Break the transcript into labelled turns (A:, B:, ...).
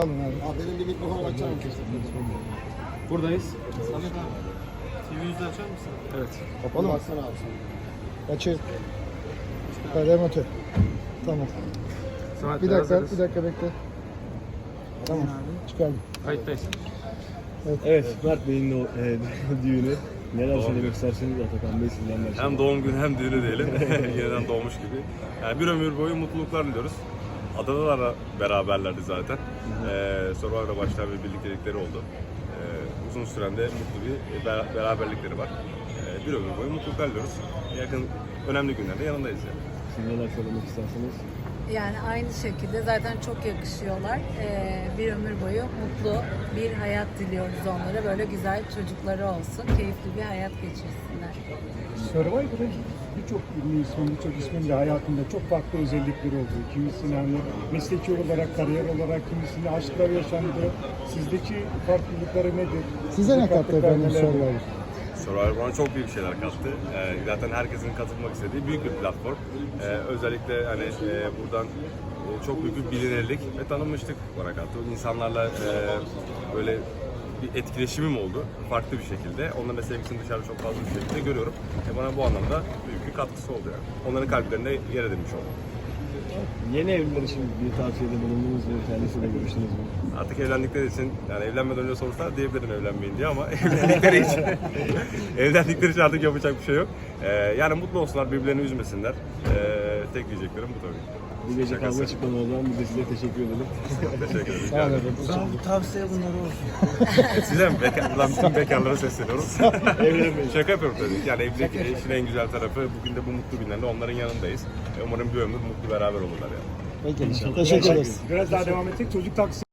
A: Alın abi.
B: Abi benim bir mikrofonu açar mısın?
C: Buradayız.
D: Samet abi. TV yüzü açar mısın?
C: Evet.
A: Kapalı mı?
B: Baksana abi sen.
A: Açık. Remote. Tamam.
C: Samet
A: Bir dakika,
C: hazırız.
A: bir dakika bekle. Tamam. Çıkardım.
C: Kayıttayız.
E: Evet, Mert Bey'in o düğünü. Neler söylemek isterseniz Atakan Bey sizden başlayalım.
F: Hem doğum günü hem düğünü diyelim. Yeniden doğmuş gibi. Yani bir ömür boyu mutluluklar diliyoruz. Adalarla beraberlerdi zaten. Survivor'a başlayan bir birliktelikleri oldu. Uzun süren de mutlu bir beraberlikleri var. Bir ömür boyu mutluluklar diliyoruz. Yakın önemli günlerde yanındayız yani.
E: Siz neler söylemek isterseniz.
G: Yani aynı şekilde zaten çok yakışıyorlar. Bir ömür boyu mutlu bir hayat diliyoruz onlara. Böyle güzel çocukları olsun, keyifli bir hayat geçirsinler.
H: Survivor'ın birçok ünlü ismin, birçok ismin de hayatında çok farklı özellikleri oldu. Kimisinin hani mesleki olarak, kariyer olarak, kimisinin aşklar yaşandı. Sizdeki farklılıkları nedir?
A: Size ne kattı efendim
H: neler?
A: Survivor?
F: Survivor bana çok büyük şeyler kattı. Zaten herkesin katılmak istediği büyük bir platform. Özellikle hani buradan çok büyük bir bilinirlik ve tanınmışlık bana kattı. İnsanlarla böyle bir etkileşimim oldu farklı bir şekilde. Onların da sevgisini dışarıda çok fazla bir şekilde görüyorum. Bana bu anlamda büyük bir katkısı oldu yani. Onların kalplerinde yer edinmiş oldum.
E: Yeni evliler için bir tavsiyede bulundunuz mu? Kendisiyle görüştünüz mü?
F: Artık evlendikleri için, yani evlenmeden önce sorsalar diyebilirim evlenmeyin diye ama evlendikleri için evlendikleri için artık yapacak bir şey yok. Yani mutlu olsunlar, birbirlerini üzmesinler. Tek diyeceklerim bu tabii.
E: Bu gece kavga çıkmadı o zaman. Biz de size teşekkür edelim.
F: Teşekkür ederim.
A: Sağ olun efendim.
D: Tavsiye bunları olsun.
F: Size mi? Buradan bütün bekarlara sesleniyorum.
E: Evlenmeyin.
F: Şaka yapıyorum tabii. Yani evlilik işin en güzel tarafı. Bugün de bu mutlu günlerde onların yanındayız. Umarım bir ömür mutlu beraber olurlar yani.
A: Peki. Teşekkür ederiz.
H: Biraz daha devam edecek. Çocuk taksi